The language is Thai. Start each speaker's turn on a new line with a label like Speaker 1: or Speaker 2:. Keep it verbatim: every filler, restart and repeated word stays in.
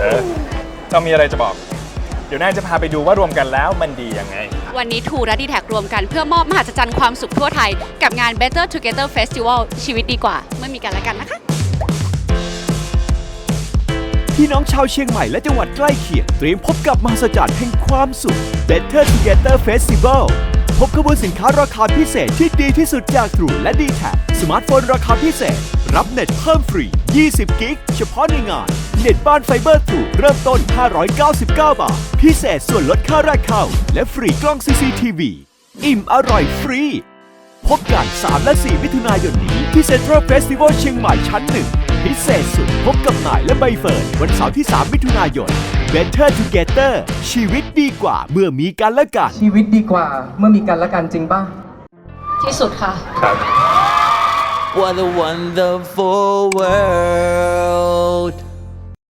Speaker 1: อเรามีอะไรจะบอกเดี๋ยวนายจะพาไปดูว่ารวมกันแล้วมันดียังไง
Speaker 2: วันนี้ทูและดีแท็รวมกันเพื่อมอบมหัศจรรย์ความสุขทั่วไทยกับงาน Better Together Festival ชีวิตดีกว่าเมื่อมีกันและกันนะคะ
Speaker 3: พี่น้องชาวเชียงใหม่และจังหวัดใกล้เคียงเตรียมพบกับมหัศจรรย์แห่งความสุข Better Together Festival พบขบวนสินค้าราคาพิเศษที่ดีที่สุดจากทรูและ ดี แท็ก สมาร์ทโฟนราคาพิเศษรับเน็ตเพิ่มฟรียี่สิบกิกเฉพาะในงานเน็ตบ้านไฟเบอร์ทรูเริ่มต้นห้าร้อยเก้าสิบเก้าบาทพิเศษส่วนลดค่าแรกเข้าและฟรีกล้อง ซี ซี ที วี อิ่มอร่อยฟรีพบกันสามและสี่มิถุนายนนี้ที่เซ็นทรัลเฟสติวัลเชียงใหม่ชั้นหนึ่งพิเศษสุดพบกับนายและใบเฟิร์นวันเสาร์ที่สามมิถุนายน Better Together ชีวิตดีกว่าเมื่อมีกันและกัน
Speaker 4: ชีวิตดีกว่าเมื่อมีกันและกันจริงป่ะ
Speaker 2: ที่สุดค่ะ
Speaker 1: ครับ
Speaker 5: What a wonderful world